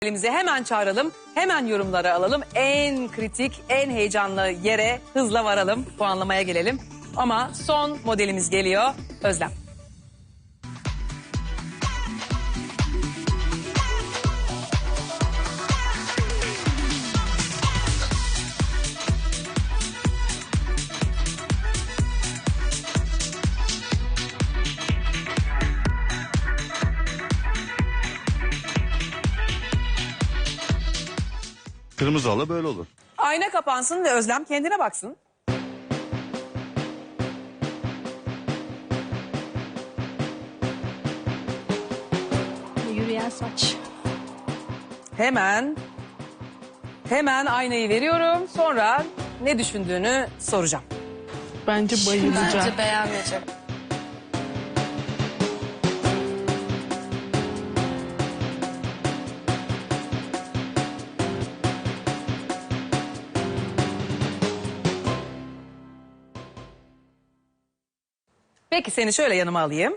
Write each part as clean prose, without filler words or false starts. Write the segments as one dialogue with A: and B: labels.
A: Elimize hemen çağıralım, hemen yorumları alalım. En kritik, en heyecanlı yere hızla varalım, puanlamaya gelelim. Ama son modelimiz geliyor, Özlem.
B: Kırmızı halı böyle olur.
A: Ayna kapansın ve Özlem kendine baksın.
C: Yürüyen saç.
A: Hemen aynayı veriyorum. Sonra ne düşündüğünü soracağım.
D: Bence bayılacak.
C: Bence beğenmeyecek.
A: Peki seni şöyle yanıma alayım.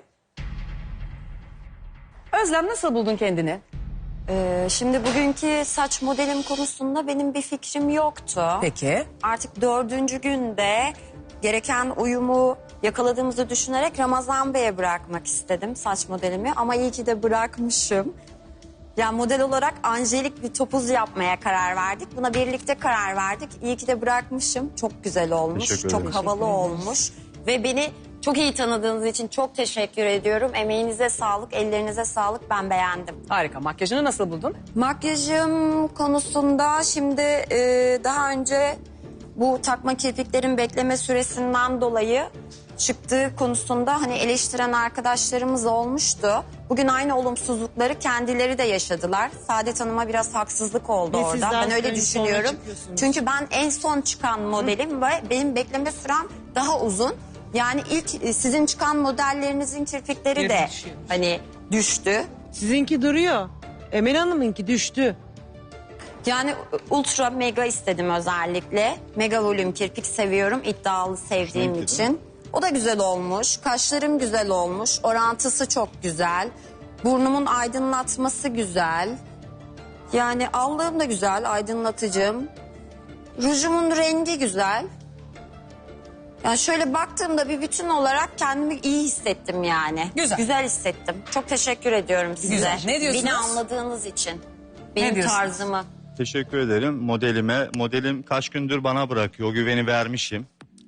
A: Özlem nasıl buldun kendini?
E: Şimdi bugünkü saç modelim konusunda benim bir fikrim yoktu.
A: Peki.
E: Artık 4. günde gereken uyumu yakaladığımızı düşünerek Ramazan Bey'e bırakmak istedim saç modelimi. Ama iyi ki de bırakmışım. Yani model olarak anjelik bir topuz yapmaya karar verdik. Buna birlikte karar verdik. İyi ki de bırakmışım. Çok güzel olmuş,
B: Teşekkür
E: çok
B: ederim.
E: havalı olmuş. Ve beni çok iyi tanıdığınız için çok teşekkür ediyorum. Emeğinize sağlık, ellerinize sağlık. Ben beğendim.
A: Harika. Makyajını nasıl buldun?
E: Makyajım konusunda şimdi daha önce bu takma kirpiklerin bekleme süresinden dolayı çıktığı konusunda hani eleştiren arkadaşlarımız olmuştu. Bugün aynı olumsuzlukları kendileri de yaşadılar. Saadet Hanım'a biraz haksızlık oldu
D: Ve
E: orada.
D: sizler
E: Ben öyle
D: sonra
E: düşünüyorum.
D: çıkıyorsunuz.
E: Çünkü ben en son çıkan modelim ve benim bekleme sürem daha uzun. Yani ilk sizin çıkan modellerinizin kirpikleri de hani düştü.
D: Sizinki duruyor. Emel Hanım'ınki düştü.
E: Yani ultra mega istedim özellikle. Mega volüm kirpik seviyorum, iddialı sevdiğim
B: Renkli
E: için. O da güzel olmuş. Kaşlarım güzel olmuş. Orantısı çok güzel. Burnumun aydınlatması güzel. Yani allığım da güzel, aydınlatıcım. Rujumun rengi güzel. Yani şöyle baktığımda bir bütün olarak kendimi iyi hissettim yani.
A: Güzel.
E: Güzel hissettim. Çok teşekkür ediyorum size.
A: Güzel. Ne diyorsunuz?
E: Beni anladığınız için. Benim
A: diyorsunuz?
E: tarzımı.
B: Teşekkür ederim modelime. Modelim kaç gündür bana bırakıyor. O güveni vermişim.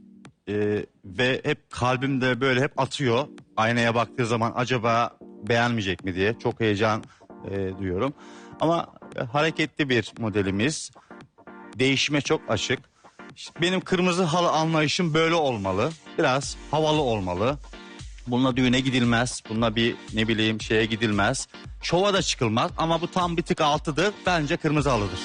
B: Ve hep kalbimde böyle hep atıyor. Aynaya baktığı zaman acaba beğenmeyecek mi diye. Çok heyecan duyuyorum. Ama hareketli bir modelimiz. Değişime çok açık. İşte benim kırmızı halı anlayışım böyle olmalı. Biraz havalı olmalı. Bununla düğüne gidilmez. Bununla bir ne bileyim şeye gidilmez. Şova da çıkılmaz ama bu tam bir tık altıdır. Bence kırmızı halıdır.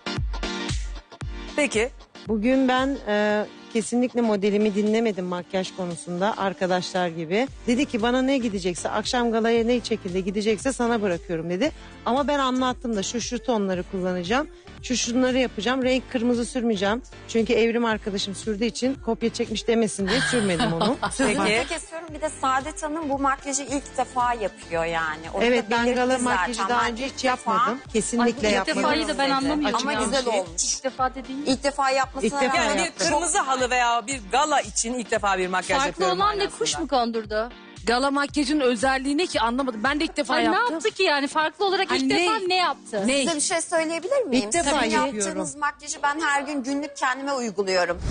A: Peki.
D: Bugün ben kesinlikle modelimi dinlemedim makyaj konusunda arkadaşlar gibi. Dedi ki bana ne gidecekse akşam galaya ne şekilde gidecekse sana bırakıyorum dedi. Ama ben anlattım da şu tonları kullanacağım. Şunları yapacağım. Renk kırmızı sürmeyeceğim. Çünkü Evrim arkadaşım sürdüğü için kopya çekmiş demesin diye sürmedim onu.
E: Sözünüzü
A: Peki.
E: kesiyorum. Bir de Saadet Hanım bu makyajı ilk defa yapıyor yani. Onu
D: Evet
E: da
D: ben
E: belirtti
D: gala
E: zaten.
D: makyajı daha
E: Ben
D: önce
E: ilk
D: hiç
E: defa-
D: yapmadım. Kesinlikle
C: ilk
D: yapmadım.
C: defayı da ben anlamıyorum.
E: Ama
C: ya.
E: güzel olmuş.
C: İlk defa dediğin.
E: İlk defa yapmasına
D: İlk defa
E: rağmen
A: Yani bir
D: yaptım.
A: kırmızı halı veya bir gala için ilk defa bir makyaj
F: Farklı
A: yapıyorum.
F: olan ne
A: manasında.
F: kuş mu kondurdu? Gala makyajın özelliği ne ki anlamadım. Ben de ilk defa
C: Ay ne
F: yaptım.
C: yaptı ki yani farklı olarak
F: Hani
C: ilk
F: ne?
C: defa ne yaptı?
F: Ne?
E: Size bir şey söyleyebilir miyim?
D: İlk defa
E: Sizin
D: yapıyorum.
E: yaptığınız makyajı ben her gün günlük kendime uyguluyorum.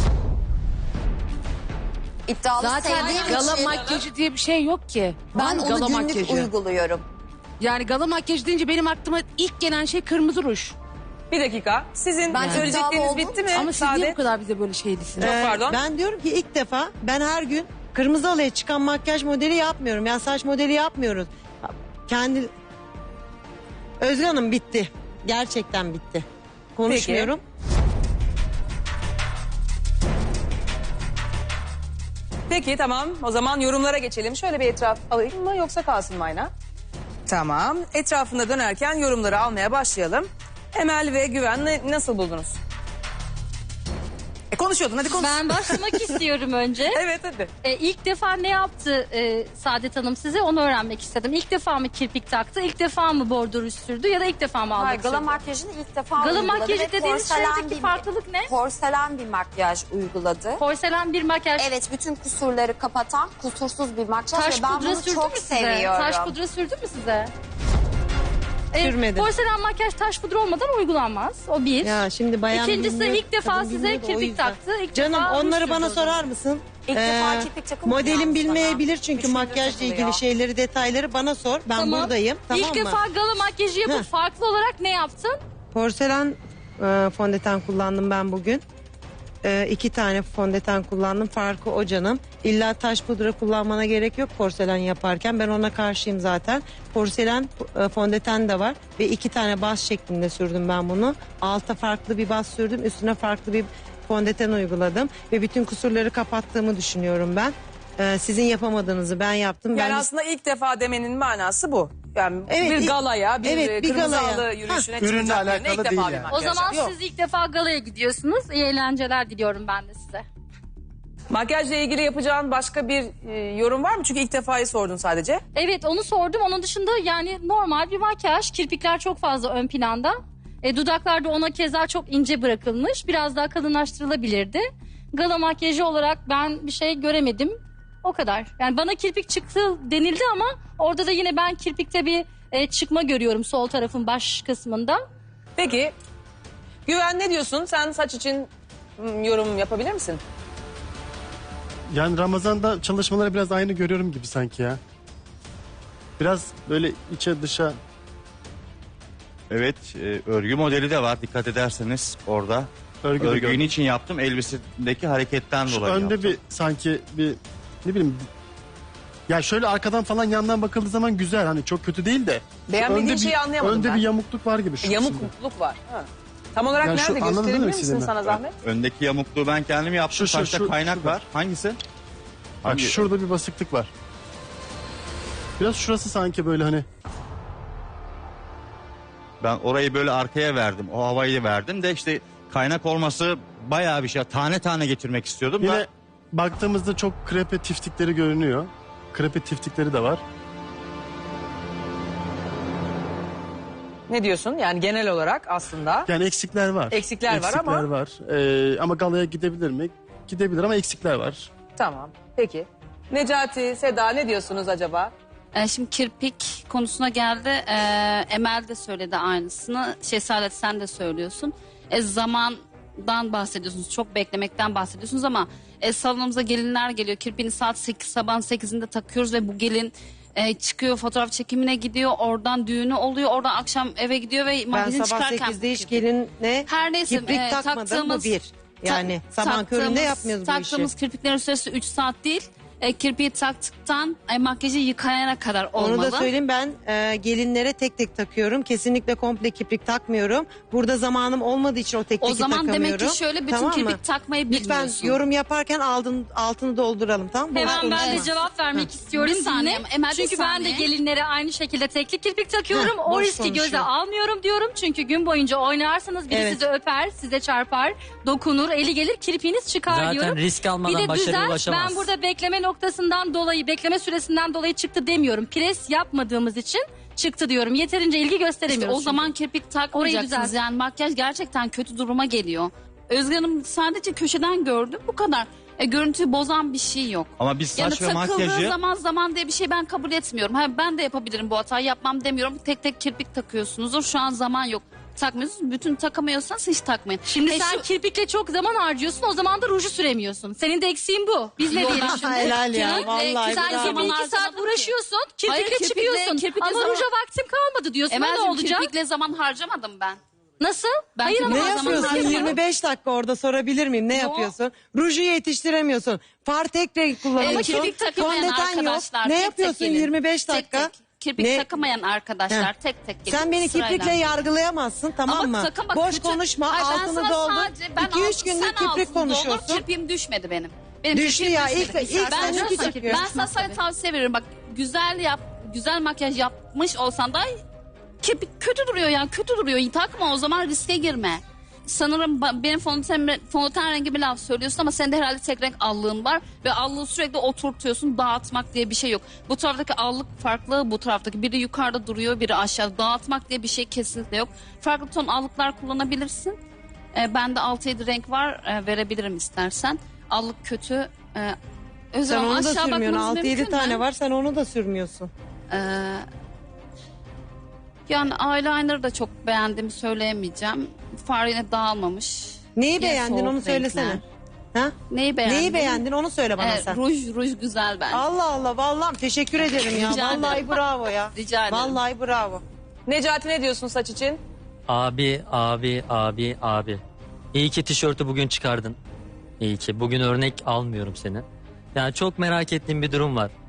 E: İddialı
F: Zaten
E: sevdiğim
F: gala
E: için
F: makyajı diye bir şey yok ki.
E: ben onu
F: gala
E: günlük
F: makyajı.
E: uyguluyorum.
F: Yani gala makyajı deyince benim aklıma ilk gelen şey kırmızı ruj.
A: Bir dakika. Sizin
E: Ben
A: söyleyecekleriniz
E: iddialı
A: bitti mi?
F: Ama siz niye
A: Saadet?
F: bu kadar bize böyle şey değilsiniz?
A: Çok pardon.
D: Ben diyorum ki ilk defa ben her gün kırmızı halıya çıkan makyaj modeli yapmıyorum. Yani saç modeli yapmıyoruz. Kendi... Özgür Hanım bitti. Gerçekten bitti. Konuşmuyorum.
A: Peki tamam. O zaman yorumlara geçelim. Şöyle bir etraf alayım mı yoksa kalsın mı ayna? Tamam. Etrafında dönerken yorumları almaya başlayalım. Emel ve Güven nasıl buldunuz? Konuşuyordun hadi konuş.
C: Ben başlamak istiyorum önce.
A: Evet hadi.
C: İlk defa ne yaptı Saadet Hanım size onu öğrenmek istedim. İlk defa mı kirpik taktı, ilk defa mı bordür sürdü ya da ilk defa mı
E: Hayır,
C: aldı
E: gala
C: sürdü?
E: makyajını ilk defa
C: Gala
E: uyguladı
C: makyajı
E: ve
C: dediğiniz şeydeki farklılık ne?
E: Porselen bir makyaj uyguladı.
C: Porselen bir makyaj.
E: Evet, bütün kusurları kapatan kusursuz bir makyaj
C: Taş
E: ve ben
C: pudra
E: bunu
C: sürdü
E: çok
C: mü size?
E: seviyorum.
C: Taş pudra sürdü mü size?
D: Sürmedim.
C: Porselen makyaj taş pudra olmadan uygulanmaz. O bir.
D: Ya şimdi bayan
C: İkincisi
D: bilmiyor,
C: ilk defa
D: kadın
C: size
D: bilmiyor da o
C: kirpik
D: yüzden.
C: taktı. İlk
D: Canım
C: defa ruj
D: onları
C: sürdü
D: bana
C: o zaman.
D: sorar mısın?
E: İlk defa kirpik takılmıyor
D: Modelim
E: yalnız
D: bilmeyebilir
E: bana.
D: çünkü
E: Üçüncü
D: makyajla
E: takılıyor.
D: ilgili şeyleri, detayları bana sor. Ben
C: Tamam.
D: buradayım. Tamam
C: İlk
D: mı?
C: defa gala makyajı yapıp
D: Heh.
C: farklı olarak ne yaptın?
D: Porselen fondöten kullandım ben bugün. 2 tane fondöten kullandım. Farkı o canım. İlla taş pudra kullanmana gerek yok porselen yaparken. Ben ona karşıyım zaten. Porselen fondöten de var. Ve 2 tane baz şeklinde sürdüm ben bunu. Alta farklı bir baz sürdüm. Üstüne farklı bir fondöten uyguladım. Ve bütün kusurları kapattığımı düşünüyorum ben. Sizin yapamadığınızı ben yaptım.
A: Yani
D: Ben
A: aslında ilk defa demenin manası bu. Yani
D: Evet,
A: bir galaya, bir,
D: evet, bir
A: kırmızı
D: galaya.
A: halı yürüyüşüne
G: Ürünle
A: çıkacak birine
G: alakalı
A: ilk defa
G: değil
A: bir
G: yani.
A: makyaj
C: O zaman
A: yap.
C: siz ilk defa galaya gidiyorsunuz. İyi eğlenceler diliyorum ben de size.
A: Makyajla ilgili yapacağın başka bir yorum var mı? Çünkü ilk defayı sordun sadece.
C: Evet onu sordum. Onun dışında yani normal bir makyaj. Kirpikler çok fazla ön planda. Dudaklar da ona keza çok ince bırakılmış. Biraz daha kalınlaştırılabilirdi. Gala makyajı olarak ben bir şey göremedim. O kadar. Yani bana kirpik çıktı denildi ama orada da yine ben kirpikte bir çıkma görüyorum sol tarafın baş kısmında.
A: Peki Güven ne diyorsun? Sen saç için yorum yapabilir misin?
G: Yani Ramazan'da çalışmaları biraz aynı görüyorum gibi sanki ya. Biraz böyle içe dışa.
B: Evet, örgü modeli de var dikkat ederseniz orada.
G: Örgü de
B: Örgüyü
G: gördüm.
B: için yaptım elbisedeki hareketten
G: Şu
B: dolayı
G: önde
B: yaptım.
G: bir sanki bir ne bileyim. Ya şöyle arkadan falan yandan bakıldığı zaman güzel, hani çok kötü değil de. şu
A: Beğenmediğin
G: önde
A: şeyi anlayamadım
G: Önde
A: ben.
G: bir yamukluk var gibi şu kısımda.
A: Yamukluk var. Ha. Tam olarak
G: Yani şu
A: nerede
G: anladın değil mi
A: gösterebilir misin
G: istediğimi?
A: sana zahmet?
B: Öndeki yamukluğu ben kendim yaptım.
G: Şu,
B: Saçta
G: şu,
B: kaynak
G: şurada.
B: var. Hangisi?
G: Bak
B: Hangi-
G: şurada bir basıklık var. Biraz şurası sanki böyle hani.
B: Ben orayı böyle arkaya verdim. O havayı verdim de işte kaynak olması bayağı bir şey. Tane tane getirmek istiyordum
G: Yine
B: da.
G: baktığımızda çok krepe tiftikleri görünüyor. Krepe tiftikleri de var.
A: Ne diyorsun? Yani genel olarak aslında.
G: Yani eksikler var.
A: Eksikler var ama-
G: var. Ama galaya gidebilir mi? Gidebilir ama eksikler var.
A: Tamam. Peki. Necati, Seda ne diyorsunuz acaba?
H: Şimdi kirpik konusuna geldi. Emel de söyledi aynısını. Saadet sen de söylüyorsun. Zamandan bahsediyorsunuz. Çok beklemekten bahsediyorsunuz ama salonumuza gelinler geliyor. Kirpiğini saat 8, sabahın 8'inde takıyoruz ve bu gelin çıkıyor, fotoğraf çekimine gidiyor. Oradan düğünü oluyor. Oradan akşam eve gidiyor ve
D: Ben
H: makyajını
D: sabah
H: çıkarken...
D: 8'de hiç gelinle
H: Her neyse,
D: kiprik takmadım bu bir. Yani sabah köründe yapmıyoruz bu işi.
H: Taktığımız kirpiklerin süresi 3 saat değil. Kirpiği taktıktan makyajı yıkayana kadar olmalı.
D: Onu da söyleyeyim, ben gelinlere tek tek takıyorum. Kesinlikle komple kiprik takmıyorum. Burada zamanım olmadığı için o tek
H: O
D: teki
H: zaman
D: takamıyorum.
H: demek ki şöyle bütün
D: Tamam mı?
H: kirpik takmayı
D: Lütfen
H: bilmiyorsun.
D: yorum yaparken altını dolduralım, tamam mı? Boş
C: Hemen ben de
D: konuşma.
C: cevap vermek istiyorum.
H: Bir saniye,
C: Dinle.
H: Emel, bir
C: Çünkü ben de
H: saniye.
C: gelinlere aynı şekilde tekli kirpik takıyorum.
D: Heh,
C: O
D: boş
C: riski göze
D: konuşuyor.
C: almıyorum diyorum. Çünkü gün boyunca oynarsanız biri
D: Evet.
C: sizi öper, size çarpar, dokunur, eli gelir kirpiğiniz çıkar
I: Zaten
C: diyorum.
I: risk
C: Bir
I: almadan
C: de
I: başarıya
C: düzen,
I: ulaşamaz.
C: ben burada bekleme noktasından dolayı, bekleme süresinden dolayı çıktı demiyorum. Pres yapmadığımız için çıktı diyorum. Yeterince ilgi
H: İşte
C: gösteremiyoruz.
H: o zaman kirpik
C: Orayı
H: takmayacaksınız.
C: düzelt.
H: Yani makyaj gerçekten kötü duruma geliyor. Özge Hanım sadece köşeden gördüm, bu kadar. Görüntüyü bozan bir şey yok.
B: Ama biz
H: Yani
B: saç ve
H: takıldığı
B: makyajı
H: zaman diye bir şey ben kabul etmiyorum. Ben de yapabilirim bu hatayı, yapmam demiyorum. Tek tek kirpik takıyorsunuzdur. Şu an zaman yok. Takmıyorsunuz. Bütün takamıyorsanız hiç takmayın.
C: Şimdi sen
H: şu-
C: kirpikle çok zaman harcıyorsun, o zaman da ruju süremiyorsun. Senin de eksiğin bu. Biz ne
H: Yok,
C: diyelim
H: ben
C: şimdi?
D: Helal ya,
H: Kirpikle-
D: vallahi
C: Sen
D: bravo.
C: kirpikle 2 saat
H: harcamadım ki.
C: uğraşıyorsun,
H: Hayır,
C: kirpikle
H: kirpikle-
C: çıkıyorsun.
H: kirpikle
C: Ama
H: zaman-
C: ruja vaktim kalmadı diyorsun. Ne
H: Emel'cim,
C: olacak?
H: kirpikle zaman harcamadım ben.
C: Nasıl?
H: Ben
C: Hayır ama
D: Ne
H: o zaman
D: yapıyorsun?
H: harcamadım.
D: 25 dakika orada sorabilir miyim? Ne yapıyorsun? Ruju yetiştiremiyorsun. Far tek renk kullanıyorsun.
H: Ama kirpik takamayan
D: Fondöten yok.
H: arkadaşlar.
D: Ne
H: tek
D: yapıyorsun
H: tek gelin.
D: 25 dakika?
H: Tek tek. Kirpik
D: Ne?
H: takamayan arkadaşlar
D: Heh.
H: tek tek gelin.
D: Sen beni
H: sırayla.
D: kiprikle yargılayamazsın, tamam
H: Ama
D: mı?
H: sakın bak,
D: Boş
H: kötü-
D: konuşma,
H: Hayır, ben
D: altını
H: sana
D: doldur.
H: sadece- ben
D: 2-3
H: altını-
D: gündür
H: sen
D: kiprik
H: altını doldur,
D: konuşuyorsun.
H: kirpiğim düşmedi benim. Benim
D: Düştü
H: kirpiğim
D: ya,
H: düşmedi.
D: ilk
H: Ben
D: seninki
H: sana-
D: çıkıyor.
H: Ben sana sadece tavsiye veriyorum. Bak güzel makyaj yapmış olsan da kirpik kötü duruyor yani, kötü duruyor. Takma, o zaman riske girme. sanırım benim fondöten rengi bir laf söylüyorsun ama sende herhalde tek renk allığın var ve allığı sürekli oturtuyorsun. Dağıtmak diye bir şey yok. Bu taraftaki allık farklı, bu taraftaki biri yukarıda duruyor, biri aşağıda. Dağıtmak diye bir şey kesinlikle yok. Farklı ton allıklar kullanabilirsin. Bende 6-7 renk var, verebilirim istersen. Allık kötü. Özlem
D: Sen
H: Hanım,
D: onu da
H: aşağı
D: sürmüyorsun.
H: bakmanız
D: 6-7
H: mümkün
D: tane
H: mü?
D: var, sen onu da sürmüyorsun.
H: Yani eyeliner da çok beğendiğimi söyleyemeyeceğim. Far yine dağılmamış.
D: Neyi
H: Yine
D: beğendin
H: soğuk
D: onu söylesene.
H: renkler.
D: Ha?
H: Neyi beğendin?
D: Neyi beğendin onu söyle bana sen.
H: Ruj güzel bence.
D: Allah Allah, vallahi teşekkür ederim ya.
H: Rica
D: Vallahi
H: ederim.
D: bravo ya.
H: Rica ederim.
D: Vallahi bravo.
A: Necati ne diyorsun saç için?
I: Abi. İyi ki tişörtü bugün çıkardın. İyi ki. Bugün örnek almıyorum seni. Yani çok merak ettiğim bir durum var.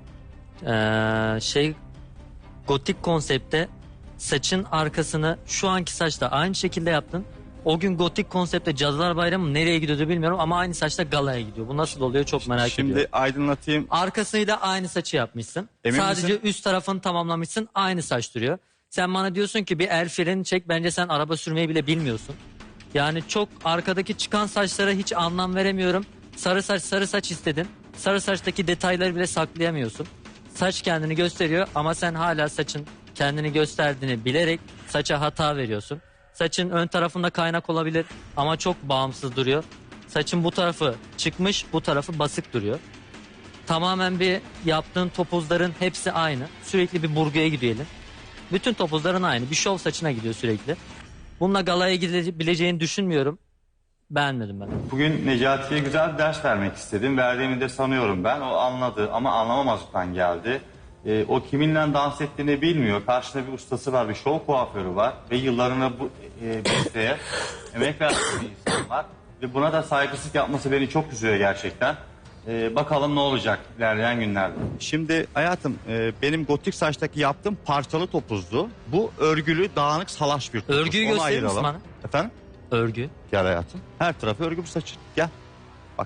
I: Gotik konsepte saçın arkasını şu anki saçta aynı şekilde yaptın. O gün gotik konsepte Cadılar Bayramı nereye gidiyordu bilmiyorum ama aynı saçta galaya gidiyor. Bu nasıl oluyor çok merak
B: Şimdi
I: ediyorum.
B: aydınlatayım.
I: Arkasını da aynı saçı yapmışsın.
B: Emin
I: Sadece
B: misin?
I: üst tarafını tamamlamışsın. Aynı saç duruyor. Sen bana diyorsun ki bir el freni çek. Bence sen araba sürmeyi bile bilmiyorsun. Yani çok arkadaki çıkan saçlara hiç anlam veremiyorum. Sarı saç istedin. Sarı saçtaki detayları bile saklayamıyorsun. Saç kendini gösteriyor ama sen hala saçın kendini gösterdiğini bilerek saça hata veriyorsun. Saçın ön tarafında kaynak olabilir ama çok bağımsız duruyor. Saçın bu tarafı çıkmış, bu tarafı basık duruyor. Tamamen bir yaptığın topuzların hepsi aynı. Sürekli bir burguya gidiyor elin. Bütün topuzların aynı. Bir şov saçına gidiyor sürekli. Bununla galaya gidebileceğini düşünmüyorum. Beğenmedim ben.
B: Bugün Necati'ye güzel bir ders vermek istedim. Verdiğimi de sanıyorum ben. O anladı ama anlamamazlıktan geldi. O kiminle dans ettiğini bilmiyor. Karşında bir ustası var, bir şov kuaförü var. Ve yıllarını bu mesleğe emek vermiş bir insan var. Ve buna da saygısızlık yapması beni çok üzüyor gerçekten. Bakalım ne olacak ilerleyen günlerde. Şimdi hayatım benim gotik saçtaki yaptığım parçalı topuzdu. Bu örgülü, dağınık, salaş bir topuz.
I: Örgüyü
B: Onu
I: gösterir misin
B: ayıralım.
I: bana?
B: Efendim?
I: Örgü.
B: Gel hayatım. Her tarafı örgü bu saçın. Gel. Bak.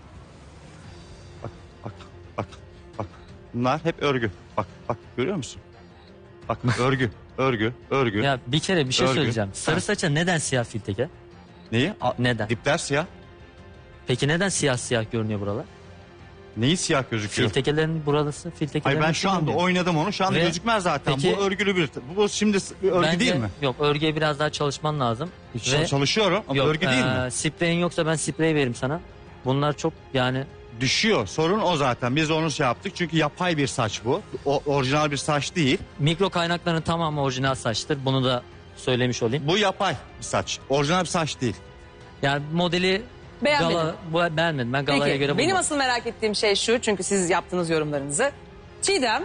B: Bak. Bak. Bak. Bak. Bunlar hep örgü. Bak. Bak. Görüyor musun? Bak. Örgü. Örgü. Örgü.
I: Ya bir kere bir şey
B: Örgü.
I: söyleyeceğim. Sarı
B: Ha.
I: saça neden siyah filteke?
B: Neyi?
I: Neden?
B: Dipler siyah.
I: Peki neden siyah görünüyor buralar?
B: Neyi siyah gözüküyor?
I: Filtekelerin burası, filtekelerin...
B: Hayır ben şu anda oynadım onu. Şu anda
I: Ve
B: gözükmez zaten.
I: peki-
B: Bu örgülü bir... Bu şimdi örgü
I: Bence-
B: değil mi?
I: Yok, örgüye biraz daha çalışman lazım.
B: Çalışıyorum ama örgü değil mi?
I: Spreyin yoksa ben sprey veririm sana. Bunlar çok yani...
B: Düşüyor. Sorun o zaten. Biz onu şey yaptık. Çünkü yapay bir saç bu. Orijinal bir saç değil.
I: Mikro kaynakların tamamı orijinal saçtır. Bunu da söylemiş olayım.
B: Bu yapay bir saç. Orijinal bir saç değil.
I: Yani modeli
A: Beğenmedim.
I: beğenmedim. Ben galaya
A: Peki
I: göre
A: benim
I: bulmadım.
A: asıl merak ettiğim şey şu, çünkü siz yaptınız yorumlarınızı. Çiğdem,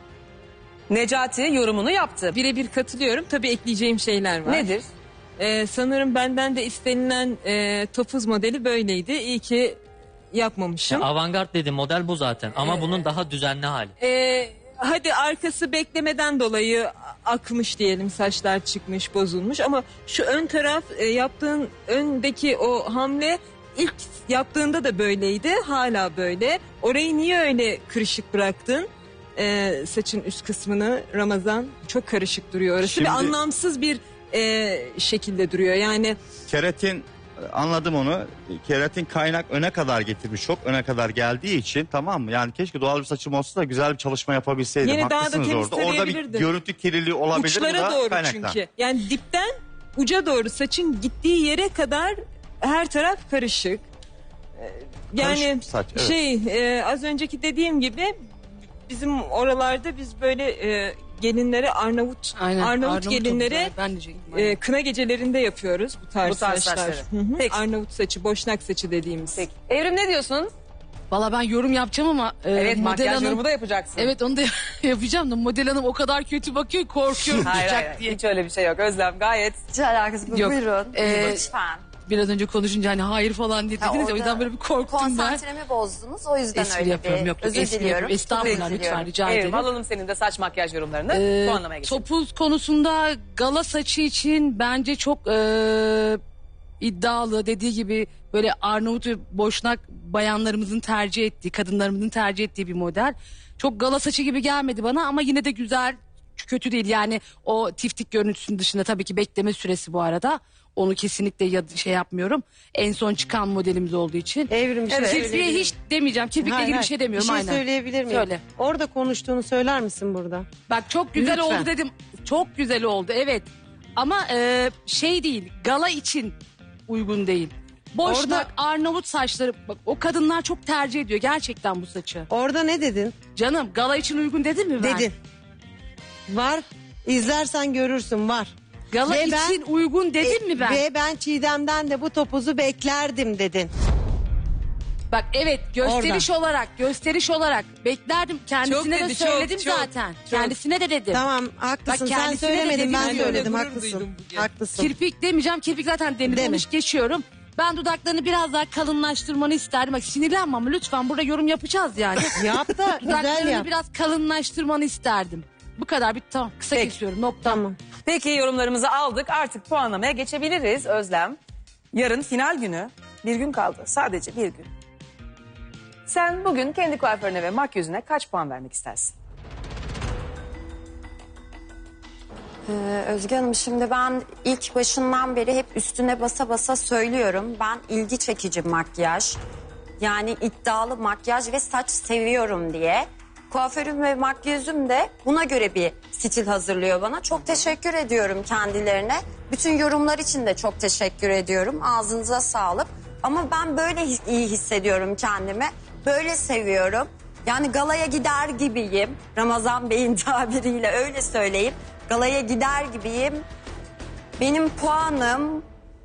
A: Necati yorumunu yaptı.
J: Birebir katılıyorum. Tabii ekleyeceğim şeyler var.
A: Nedir?
J: Sanırım benden de istenilen topuz modeli böyleydi. İyi ki yapmamışım.
I: Avantgard dediğim model bu zaten. Ama bunun daha düzenli hali.
J: Hadi arkası beklemeden dolayı akmış diyelim, saçlar çıkmış, bozulmuş, ama şu ön taraf, yaptığın öndeki o hamle ilk yaptığında da böyleydi, hala böyle. Orayı niye öyle kırışık bıraktın? Saçın üst kısmını Ramazan, çok karışık duruyor orası.
B: Şimdi-
J: Ve anlamsız bir şekilde duruyor yani.
B: Keratin anladım onu. Keratin kaynak öne kadar getirmiş. Çok öne kadar geldiği için, tamam mı? Yani keşke doğal bir saçım olsa da güzel bir çalışma yapabilseydim.
J: Yine daha da
B: Haklısınız orada. Orada bir
J: temizleyebilirdin.
B: görüntü kirliliği olabilir. Bu
J: Uçlara
B: da
J: doğru
B: kaynaktan.
J: çünkü. Yani dipten uca doğru saçın gittiği yere kadar her taraf karışık. Yani
B: Karışık bir saç, evet.
J: az önceki dediğim gibi bizim oralarda biz böyle gelinlere Arnavut gelinlere kına gecelerinde yapıyoruz bu tarz,
A: Bu tarz
J: saçlar.
A: saçları.
J: Hı hı.
A: Peki.
J: Arnavut saçı, boşnak saçı dediğimiz.
A: Peki. Evrim ne diyorsun?
F: Valla ben yorum yapacağım ama
A: Evet,
F: model
A: makyaj
F: hanım...
A: yorumu da yapacaksın.
F: Evet, onu da yapacağım da model hanım o kadar kötü bakıyor ki korkuyorum
A: Hayır,
F: tutacak
A: hayır,
F: diye.
A: hiç öyle bir şey yok. Özlem gayet.
E: Hiç alakası yok.
F: Yok.
E: Buyurun.
F: Lütfen. Biraz önce konuşunca hani hayır falan diye
E: Ha,
F: dediniz ya, o
E: orada
F: yüzden böyle bir korktum ben.
E: Konsantremi bozdunuz. O yüzden
F: Espri
E: öyle
F: yapıyorum.
E: bir
F: Yok,
E: özür
F: espri
E: diliyorum.
F: yapıyorum. Estağfurullah,
E: Özür
F: lütfen
E: diliyorum.
F: rica ederim.
A: Evrim alalım senin de saç makyaj yorumlarını. Puanlamaya geçelim.
F: Topuz konusunda gala saçı için bence çok iddialı, dediği gibi böyle Arnavut ve Boşnak bayanlarımızın tercih ettiği, kadınlarımızın tercih ettiği bir model. Çok gala saçı gibi gelmedi bana ama yine de güzel, kötü değil. Yani o tiftik görüntüsünün dışında tabii ki bekleme süresi bu arada. Onu kesinlikle şey yapmıyorum. En son çıkan modelimiz olduğu için.
D: Evrim bir şey
A: Evet.
F: Kirpiğe
D: söyleyebilir
F: hiç demeyeceğim. Kirpikle
D: Hayır,
F: ilgili bir
D: hayır.
F: şey demiyorum.
D: Bir şey
F: aynen.
D: söyleyebilir miyim?
F: Söyle.
D: Orada konuştuğunu söyler misin burada?
F: Bak çok güzel
D: Lütfen.
F: oldu dedim. Çok güzel oldu evet. Ama şey değil, gala için uygun değil. Boşnak,
D: Orada-
F: Arnavut saçları, bak o kadınlar çok tercih ediyor gerçekten bu saçı.
D: Orada ne dedin?
F: Canım gala için uygun dedim mi ben?
D: Dedin. Var. İzlersen görürsün, var.
F: Gala
D: Ve
F: için uygun dedim mi ben?
D: Ve ben Çiğdem'den de bu topuzu beklerdim dedin.
F: Bak evet gösteriş olarak beklerdim. Kendisine
J: Çok
F: de
J: dedi, çok,
F: söyledim
J: çok,
F: zaten.
J: çok.
F: Kendisine de dedim.
D: Tamam, haklısın.
F: Bak,
D: Sen
F: kendisine de
D: söylemedin,
F: dedim,
D: ben
F: ben de
D: söyledim.
J: gurur
D: Haklısın.
J: duydum bugün.
D: Haklısın.
F: Kirpik demeyeceğim. Kirpik zaten denedi.
D: Deme.
F: Onu geçiyorum. Ben dudaklarını biraz daha kalınlaştırmanı isterdim. Bak sinirlenme ama lütfen burada yorum yapacağız yani.
D: Yap da güzel
F: Dudaklarını
D: yap.
F: biraz kalınlaştırmanı isterdim. Bu kadar bitti tamam. Kısa
A: Peki.
F: kesiyorum nokta.
D: Tamam.
A: Peki yorumlarımızı aldık. Artık puanlamaya geçebiliriz Özlem. Yarın final günü. Bir gün kaldı. Sadece bir gün. Sen bugün kendi kuaförüne ve makyözüne kaç puan vermek istersin?
E: Özge Hanım şimdi ben ilk başından beri hep üstüne basa basa söylüyorum. Ben ilgi çekici makyaj, yani iddialı makyaj ve saç seviyorum diye. Kuaförüm ve makyözüm de buna göre bir stil hazırlıyor bana. Çok teşekkür ediyorum kendilerine. Bütün yorumlar için de çok teşekkür ediyorum. Ağzınıza sağlık. Ama ben böyle iyi hissediyorum kendimi. Böyle seviyorum. Yani galaya gider gibiyim. Ramazan Bey'in tabiriyle öyle söyleyeyim. Galaya gider gibiyim. Benim puanım...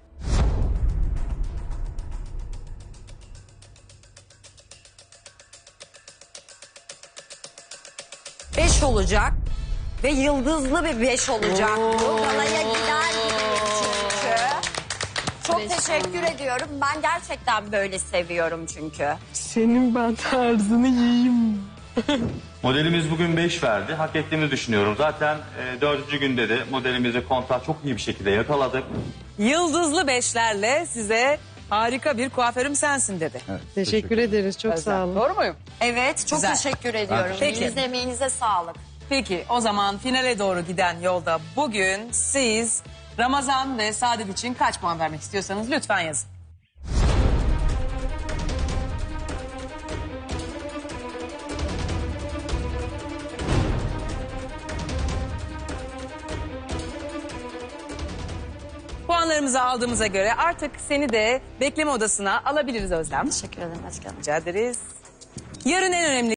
E: ...5 olacak. Ve yıldızlı bir 5 olacak bu. Galaya gider gibiyim çünkü. Çok teşekkür ediyorum. Ben gerçekten böyle seviyorum çünkü.
J: Senin ben tarzını yiyeyim.
B: Modelimiz bugün 5 verdi. Hak ettiğimizi düşünüyorum. Zaten 4. günde de modelimizi kontağı çok iyi bir şekilde yakaladık.
A: Yıldızlı beşlerle size harika bir kuaförüm sensin dedi.
D: Teşekkür ederiz. Çok
A: Özlem.
D: sağ olun.
A: Doğru muyum?
E: Evet, çok
A: Güzel.
E: teşekkür ediyorum.
A: Peki.
E: Elinize emeğinize sağlık.
A: Peki o zaman finale doğru giden yolda bugün siz Ramazan ve Saadet için kaç puan vermek istiyorsanız lütfen yazın. Puanlarımızı aldığımıza göre artık seni de bekleme odasına alabiliriz Özlem.
E: Teşekkür ederim Özge Hanım.
A: Rica ederiz. Yarın en önemli